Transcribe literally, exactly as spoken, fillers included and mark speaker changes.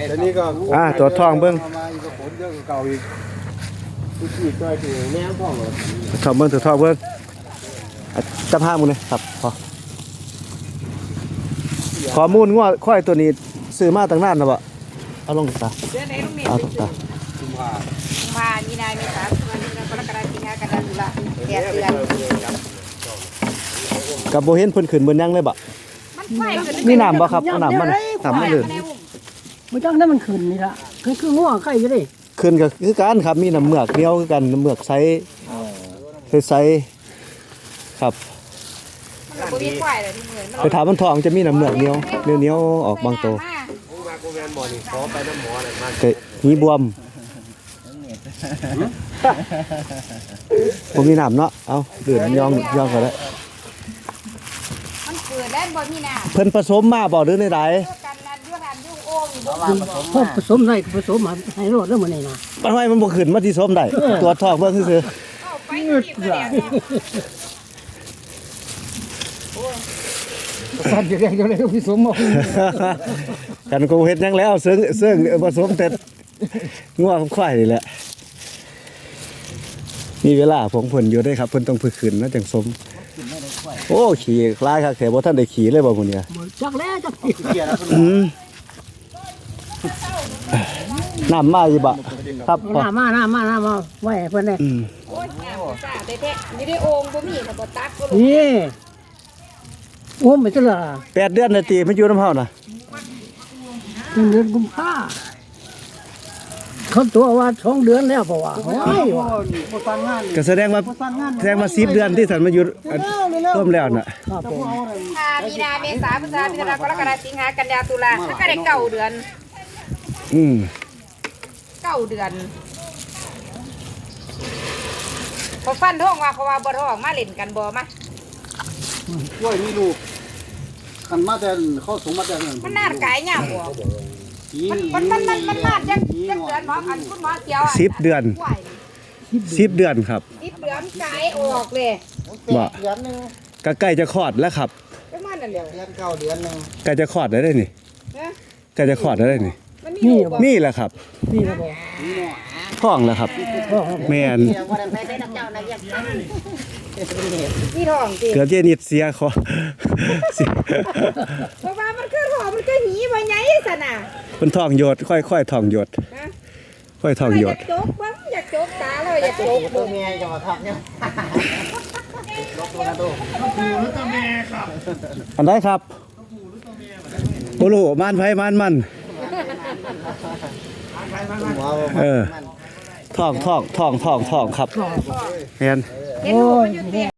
Speaker 1: แต่นี่ก็
Speaker 2: อ่าตัวท้องเบิ่ง
Speaker 1: มาอีกผลเยอะกว่าเก่าอีกทุกทีก็ถือแนวท้องเลย
Speaker 2: ท้องเบิ่งตัวท้องเบิ่งจำห้ามูลเลยครับพอข้อมูลง้อค่อยตัวนี้ซื้อมาตั้งนานแล้วบ่เอาลงตาเอาตา
Speaker 1: กุมภา
Speaker 3: กุมภามีนาเมษาพฤษภาคมกรกฎาคมสิงหากันยายนตุลาแปดเดือน
Speaker 2: กับโบเห็นเพิ่นขึ้นบนยังเลยบ่
Speaker 3: มันไฟขึ้น
Speaker 2: มีน้ำบ่ครับเอาน้ำมันน้ำมันเลย
Speaker 4: ไม่ต้องให้มันขึ้นนี่ละคือคือง่วงไข่อยู่ดิ
Speaker 2: ขึ้นก็คือกันครับมีน้ำเมือกเหนียวคือกันน้ำเมือกไซส์ไซส์ครับ
Speaker 3: มันบ่มีไฟเลยที่เหมือนมัน
Speaker 2: ไปถามมันทองจะมีน้ำเมือกเหนียวเหนียวเหนียวออกบางตัว
Speaker 1: โอ้มาโกแมนหมอนี่ขอไปน้ำหมอหน่อยมา
Speaker 2: แต่มีบวมผมมีน้ำเนาะเอาเดือดยองยองก็ได้
Speaker 3: มันเกิดได้บ่มีน้ำ
Speaker 2: เพิ่นผสมมาบ่หรือในใด
Speaker 3: กันนั่นอยู่หันอยู่โอ่งอยู่บ่
Speaker 4: พวกผสมได้ผสมมาให้รอดแล้วมันนี่นะ
Speaker 2: มันไว้มันบ่ขึ้นมาที่สมได้ตัวทองเบิ่งซื่อ
Speaker 3: เข้าไปนี่ก็แล้ว
Speaker 4: สั่นจะได้จะได้ผสมมา
Speaker 2: ๆกันกูเฮ็ดหยังแล้วเซึ่งเซึ่งผสมแต่งัวกับควายนี่แหละมีเวลาผมเพิ่นอยู่ได้ครับเพิ่นต้องฝึกขึ้นนะจังสมโอ้ขี่คล้ายคักแต่บ่ทันได้ขี่เลยบ่มื้อนี้
Speaker 4: จักแล้วจัก
Speaker 2: อืมน้ำมาอยู่บ่ครับพ่อ
Speaker 4: หน้ามาหน้ามาหน้ามาไว้เพิ่นเลย
Speaker 2: อืม
Speaker 3: โอ้ยน้ำซ่าแท้ๆนี่ได้โอ่งบ่มีก็บ่ตักบ่ลง
Speaker 4: นี่โอ้ไม่ใช่ละ
Speaker 2: แปดเดือนนาทีมันอยู่น้ำเฮาน่ะ
Speaker 4: เดือนกุมภาเขาตัวว่าสองเดือนแล้วเพราะว่าโอ้ยว่ะ
Speaker 1: ผู้สร้างงาน
Speaker 2: ก็แสดงว่าแสดงว่าสิบเดือนที่สันมาอยู่ร่วมแล้วน่ะ
Speaker 4: ครับผม
Speaker 3: อ่ามีนาเมษาพฤษภาคมกรกฎาคมสิงหากันยายนตุลามันก็ได้เก้าเดือน
Speaker 2: อืม
Speaker 3: เก้าเดือนพอฟันท้องว่าเขาว่าบ่ท้องมาเล่นกันบ่มา
Speaker 1: กล้วยมีลูกขันมาแต่เข้าสงมาแต่
Speaker 3: มันนาดกายยาวบ่มันมันมันมันมันนาดจังจังเดือนหมออันคุณหมอเกี่ยวอ่ะ
Speaker 2: สิบเดือน
Speaker 3: กล้วย
Speaker 2: สิบเดือนครับ
Speaker 3: สิบเดือนกายออกเลย
Speaker 2: บ่
Speaker 1: เดือนหนึ่ง
Speaker 2: ก็ใกล้จะคลอดแล้วครับ
Speaker 3: ประมาณนั้นแหละ
Speaker 1: เดือนเก้าเดือนหนึ่ง
Speaker 2: ใกล้จะคลอดแล้วได้นี่
Speaker 3: นะ
Speaker 2: ใกล้จะคลอดแล้วได้นี่
Speaker 3: มันมีลูกบ่
Speaker 2: นี่แหละครับ
Speaker 4: นี่นะบ่
Speaker 2: ท้องแล้วครับ
Speaker 4: พ่อ
Speaker 2: แม่น
Speaker 3: มีท้องสิ
Speaker 2: เกือบเจนิดเสียคอ เสีย
Speaker 3: เพราะว่ามันคือท้องมันก็หีบ่ใหญ่ซั่นน่ะ
Speaker 2: เพิ่นท้องหยดค่อยๆท้องหยด
Speaker 3: นะ
Speaker 2: ค่อยท้องหย
Speaker 3: อ
Speaker 2: ด
Speaker 3: ยากจกบ้างอยากจกตาแล้วอยากจก
Speaker 1: ตั
Speaker 3: เบิ่
Speaker 1: ว
Speaker 3: ง
Speaker 1: เมียจะมาทับเนี่ย
Speaker 2: อันใดครับบ่รู้ม่านไผม่านมัน เออท้องท้องท้องท้องท้องครับแม่น
Speaker 3: เห็นลูกมันอยู่เตียง